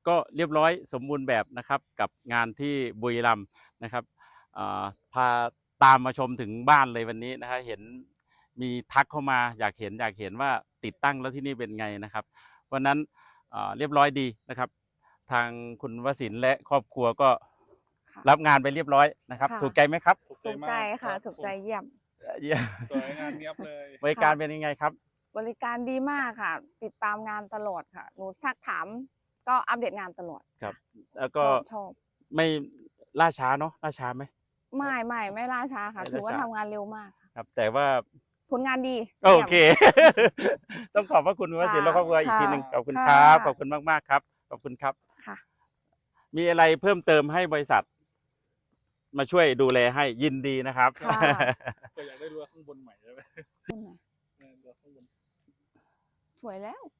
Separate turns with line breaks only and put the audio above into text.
ก็เรียบร้อยสมบูรณ์แบบนะครับกับงานที่บุรีรัมย์นะครับพาตามมาชมถึงบ้านเลยวันนี้นะครับเห็นมีทักเข้ามาอยากเห็นว่าติดตั้งแล้วที่นี่เป็นไงนะครับวันนั้นเรียบร้อยดีนะครับทางคุณวสินทร์และครอบครัวก็รับงานไปเรียบร้อยนะครับถูกใจไหมครับ
ถูกใจค่ะถูกใจเยี่ยม
สวยงามเนียบเลย
บริการเป็นยังไงครับ
บริการดีมากค่ะติดตามงานตลอดค่ะหนูทักถามก็อัปเดตงานตลอด
ครับแล้วก็
ชอบ
ไม่ล่าช้าเนาะล่าช้าไหม
ไม่ล่าช้าค่ะถือว่าทำงานเร็วมาก
ครับแต่ว่า
ผลงานดี
โอเคต้องขอบพระคุณวสินทร์และครอบครัวอีกทีหนึ่งขอบคุณครับขอบคุณมากๆครับขอบคุณครับ
ค่ะ
มีอะไรเพิ่มเติมให้บริษัทมาช่วยดูแลให้ยินดีนะครับ
ก็อยากได้เรือข้างบนใหม่ใช่ไหมเรือข้างบน
สวยแล้ว